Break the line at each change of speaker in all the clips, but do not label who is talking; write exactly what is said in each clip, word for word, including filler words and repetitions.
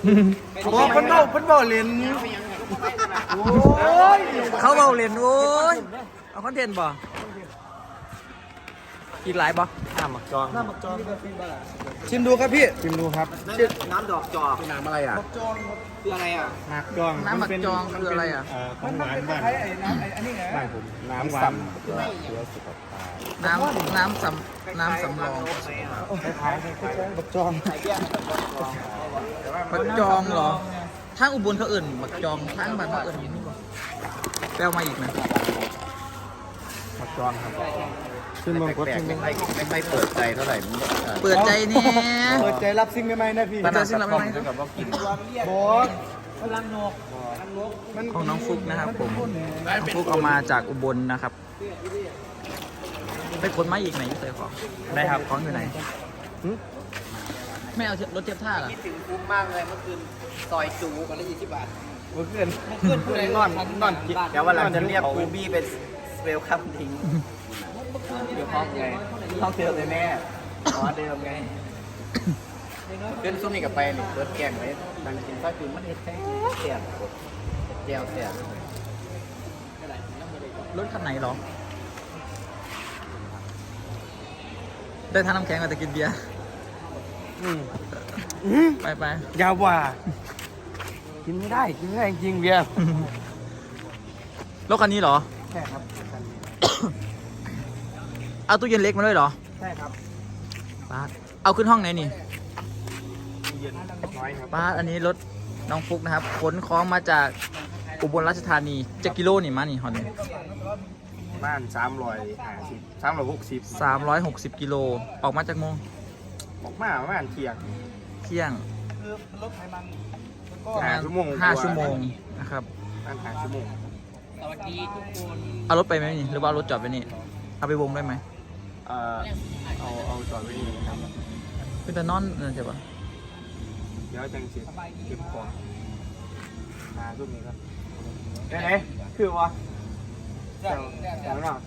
โอ้เพิ่นเบาเพิ่นเบาเล่นโอ้ย
เขาเบาเล่นโอ้ยเอาคอนเทนต์บ่อีกหลายบ่น้ำหมักจอง
น้ำบักจองชิมดูครับพี่
ชิมดูครับ
น้ำดอกจอก
เป็นน้ำอะไรอ่ะ
บักจอง
คืออะไรอ่ะ
หมักจอง
น้ำหมักจองคืออะไรอ่ะ
เอ่อขอ
มั
ง
น
ห
มัน
วาน
เป็นค
บ้าน
ล้ายๆไอ้น้ำไอ้อันนี้ไง
บ้านผมน้ำหวานเพื่อเพื่อสุขภาพ
น้ำน้ำสำน้ำสำรอง
คล้ายๆคล้ายๆ
บักจอง
หมักจองเหรอทางอุบลเขาเอื่นหมักจองทางบ้านเขาเอื่นอย่างนี้บ่แปลมาอีกนะ
หมักจองครับซึ่งบางคนซึ่ง
ไม่ไม่ไม่เปิดใจเท่าไหร่มัน
เปิดใจเนี่ย
เปิดใจรับสิ่งใหม่ๆนะพี่
เปิดใจสิ่งใหม่ๆ
เท่ากับว่ากิน
บอสพลังนกมัน
ของน้องฟุกนะครับผมน้องฟุกเอามาจากอุบลนะครับไปขนมาอีกไหนเตยของได้ครับของอยู่ไหนไม่เอารถเทียบท่าเหรอ
คิดถึงคุ้มมากเลยเมื่อคืนซอยจูกันละยี่สิบบาท
เมื่อคืน
เพื่อนพูดนอนนอนเดี๋ยววันหลังจะเรียกคูบี้เป็นเวลคัมทิ้งเดี๋ยวห้องไงห้องเดิมเลยแม่อ๋อเดิมไงเล่นซุ่มนี่กับไปนี่เปิดแกงไว้ดังกินซอยจูมันเห็ดแท้แซ่บแก้วแซ่บ
รถคันไหนเหรอได้ทานน้ำแข็งมาแต่กินเบียร์
อืม
ไปไป
ยาวกว่า กินไม่ได้กินไม่ได้จริงๆเบียร์
รถคันนี้เหรอ
ใช่ครับ
เอาตู้เย็นเล็กมาด้วยเหรอ
ใช่ครับ
ป้าดเอาขึ้นห้องไหนนี่
เย็นน้อยครับ
ป้าดอันนี้รถน้องฟุกนะครับขนของมาจากอุบลราชธานีจะกิโลนี่มานี่ฮอนนี่
บ้านสามร้อยห้าสิบสามร้อยหกสิบ
สามร้อยหกสิบกิโลออกมาจากโมง
บอกมาประมาณเที่ยง
เที่ยง
คือรถไขมันมันก็
ห้าชั่วโมง
ห้าชั่วโมงนะครับ
ประมาณห้าชั่วโมง
สวัสดีทุกคน
เอารถไปไหมนี่หรือว่าเอารถจอดไว้นี่เอาไปวงได้ไหม
เอ่อเอาเอาจอดไว้นี่ครับ
เป็นแต่นอนนั่นใช่ปะ
เดี๋ยวจังสิเก็บของมาช่วงนี้ครับเอ๊ะคือวะเดี๋ยวเดี๋ยวเนาะ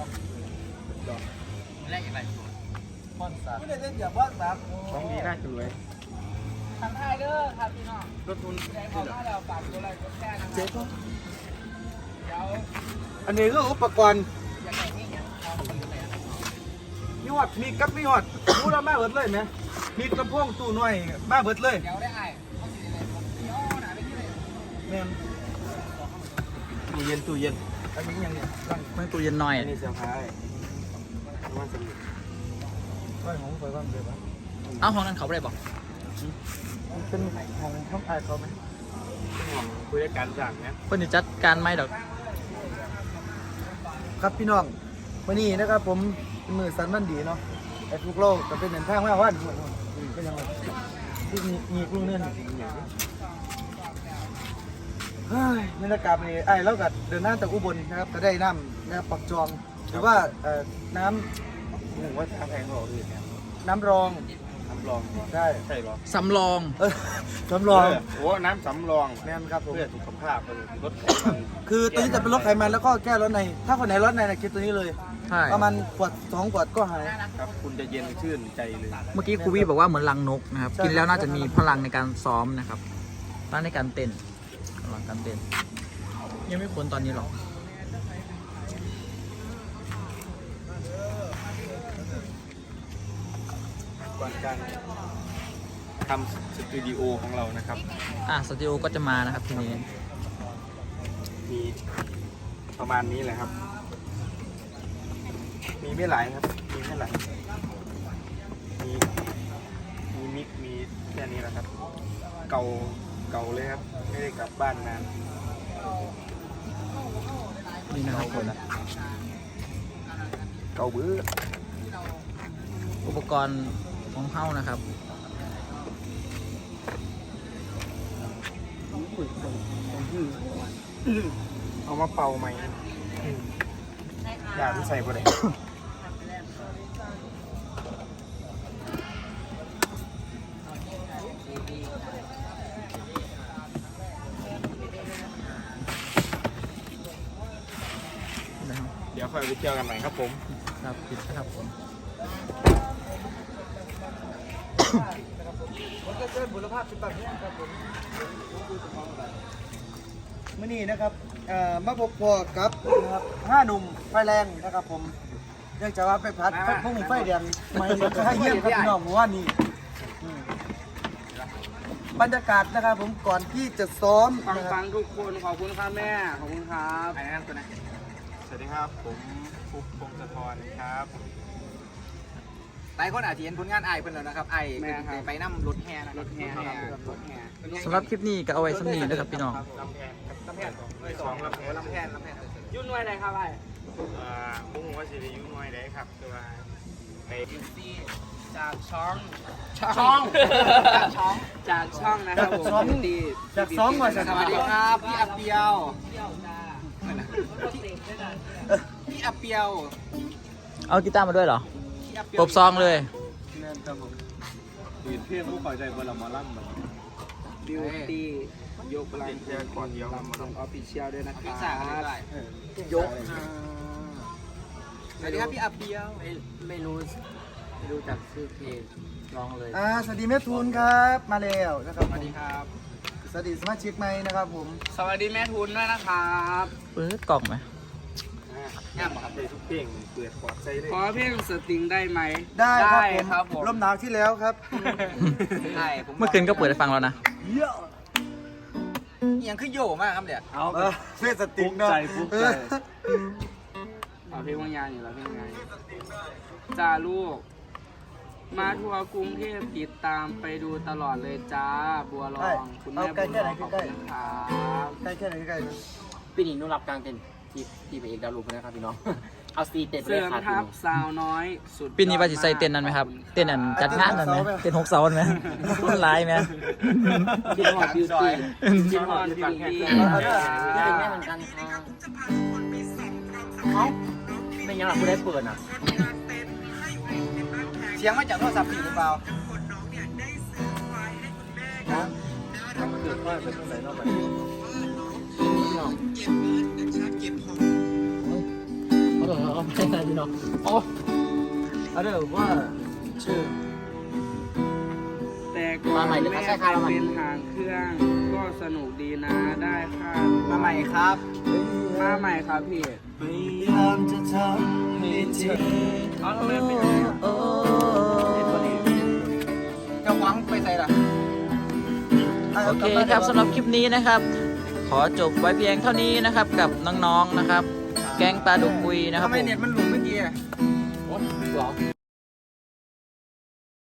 แรกอะไร
ไม่ได้เล่นอย่างว่าแบบ
ของดีน่าจะรวย
ทำได้เด้อครับพี่น้อง
รถทุน
ใจขอมาแล้วฝากตัวอะไรก็แค่นะครับ
เจ๊ก็
เดี๋ยว
อันนี้ก็อุปกรณ์
ยังไงนี่ยังเอาไปไหน
มีหอดมีกับมีหอดรู้แล้วมาเบิดเลยไหมมีลำโพงตู้น้อยมาเบิดเลย
เดี๋ยวได้ไอ้เขาสิเลยเดี๋ยวหนาไปที่เลย
แม่น
ตู้เย็นตู้เย็น
อันนี้ยังเนี่ยร่าง
ไม่ตู้เย็นหน่อย
อันนี้เซอร์ไพรส์ว่าจะมี
ก้อยของไฟบ้างเดี๋ยวนะ
เอาห้องนั้นเขาไปได้ปะ
มันเป็นของท้องไอเขาไหม
ห่วงคุยด้วยกันสั่งนะ
เพื่อนจะจัดการไหมดอก
ครับพี่น้องวันนี้นะครับผมเป็นมือสันมันดีเนาะไอ้ทุกโลกก็เป็นเหมือนทางว่าว่าดีเป็นยังไงที่มีมีกลุ่มเนื่อนเฮ้ยบรรยากาศนี่ไอ้แล้วก็เดินหน้าจากอุบลนะครับก็ได้น้ำนะครับปักจองหรือว่าเอ่อน้
หนึ่งว่าทางแพงกว่าอื่นเนี่ย
ำน้ำรอง
น้ำรอง
ใช่
ใช่หรอ
สำรอง
เออน้ำรอง
โอ้น้ำสำรอง
แม่นครับผม
เพื่อสุขภาพลดไขมัน
คือตัวนี้จะเป็นรถไขมันแล้วก็แก้รถใน ถ้าคนไหนรถในนะคิดตัวนี้เลย
ใช่
ประมาณขวดสองขวดก็หาย
ครับคุณจะเย็นชื่นใจเลย
เมื่อกี้ครูวี่บอกว่าเหมือนรังนกนะครับ
ใช่
กินแล้วน่าจะมีพลังในการซ้อมนะครับตั้งในการเต้นพลังการเต้น ยังไม่พ้นตอนนี้หรอก
ก่อนการทำสตูดิโอของเรานะครับ
อ่ะสตูดิโอก็จะมานะครับทีนี้
มีประมาณนี้แหละครับ มีไม่หลายครับ มีไม่หลายมีมีมิกมีแค่นี้แหละครับ เก่าเก่าเลยครับ ไม่ได้กลับบ้านนาน
นี่นะครับผม
เก่าเบื้อ
อุปกรณ์ของเฮ้านะครับ
เอามาเป่าไหมอยากที่ใส่บ่ได้
นะครับ
เดี๋ยวค่อยไปเที่ยวกันใหม่ครับผม
ครับปิดนะครับผม
มันก็เชิญบุรพาสิบแบบนี้ครับผมมื่อนี้นะครับเอ่อมาพบพอกับนะครับห้าหนุ่มไฟแรงนะครับผมเนื่องจากว่าไปพัดพวกหนุ่มไฟแดงไม่ให้เยี่ยมครับพี่น้องว่านี่อืมบรรยากาศนะครับผมก่อนที่จะซ้อม
ฟัง
นะค
ฟั
รับ
งทุกคนขอบคุณครับแม่ ขอบคุณครับ
ไปนะครับตัวนะสวัสดีครับผมฟุกพงศธรครับ
หลายคนอาจจะเห็นผลงานไอ้เพิ่นแล้วนะครับไอ้
แม่ครับ
ไปนั่งรถแห่นะค
ร
รับ
ถแห่ครับรถแห่
สำหรับคลิปนี้ก็เอาไว้สำนีนะครับพี่น้อง
ลำแพนลำแพนสองลำแพน
ลำแพนลำแพน
ยุ่นไว้ไหนครับไอ้
อ่าผมว่าสิริยุน้อยได้ครับคือว่าไป
จากช่อง
ช่องจากช่อง
จากช่องนะครับผม
จากช่อง
ดี
จากซ้อมก่อน
สวัสดีครับพี่อาเปียวพี่อาเปียว
เอากีตาร์มาด้วยเหรอ
พี่อาเปียว
ปบซองเลย
นั่นครับผม
ตื่นเที่ยงผู้คอยใจบนละมอลัมมัน
บิวตี้ยกพลัง
เที่ยงก่อนเดียว
ลำของออฟฟิเชียลด้วยนะค
พี่
รั
สาว
บ
ได้ยกสวัสดีครับพี่อาเปียว
ไม่ไม่รู้ไม่รู้จักชื่อเพลงร้องเลย
อ่าสวัสดีแม่ทูนครับมาแล้วนะครับ
สวัสดีครับ
สวัสดีสมาชิกใหม่นะครับผม
สวัสดีแม่ทุนด้วยนะครับ
เปิดกล่องไหม
งามครับ
ได้ทุกเพลงเปิดขอดใจเลย
ขอเพลงสตริงได้ไหม
ได้ครับผม
ครับผม
ลมหนาวที่แล้วครับ
ใช่ผม
เมื่อคืนก็เปิดให้ฟังแล้วนะ
เยอะ
ยังขึ้นโยมากครับเนี่ย
เอา
เออเพื่อสติงเนาะ
ใจ
เอาเพลงว่างยานอยู่แล้วเพลงไงจ้าลูก มาทัวร์กรุงเทพติดตามไปดูตลอดเลยจ้า บัวรองคุณแม่บัวรองขอบคุณครับ
ใกล้แค่ไหนใกล้ๆนะ
ปีนี้หนุรับกลางเต็นท์ที่ที่ไปเอกดาวรูปนะครับพี่น้อง เอาซีเต็นท์ไป
เสริ
เลย
ม
ครับพี่
ทั
น้
พ
อง
สาวน้อยสุด
ปีนี้ว่าจะใส่เต้นนั้นไหมครับ เต้นนั้นจัดงานนั้นไหมเต้นหกเสาไหมต้นลายไหม
พี่น้องบิวตี้
จิมฮอนบิวตี้
พี่ถึงแม่เหมือนกันครับเอ้าไม่ยังหลับกูได้เปิดอ่ะ
เสียงมาจากโทรศัพท์พี่หรือเปล่า
เขาบอกว่าเอาไปอะไรพี่น้องโอ้
เอาเดี๋ยวว่าชื่อ
แต่ก่อนแม่ไปเป็นหางเครื่อง ก็สนุกดีนะได้ค่า
มาใหม่ครับ
มาใหม่ครับพี่
พยายามจะทำให้เธอ
เอาทำไมเป็น
จะหวังไปใส่ละ
โอเคครับสำหรับคลิปนี้นะครับ ขอจบไว้เพียงเท่านี้นะครับ กับน้องๆนะครับ แก๊งปลาดุกปุยนะครับ
ทำไม
ผม
เน็ตมันหลุดเมื่อกี้อะ
โหหรอ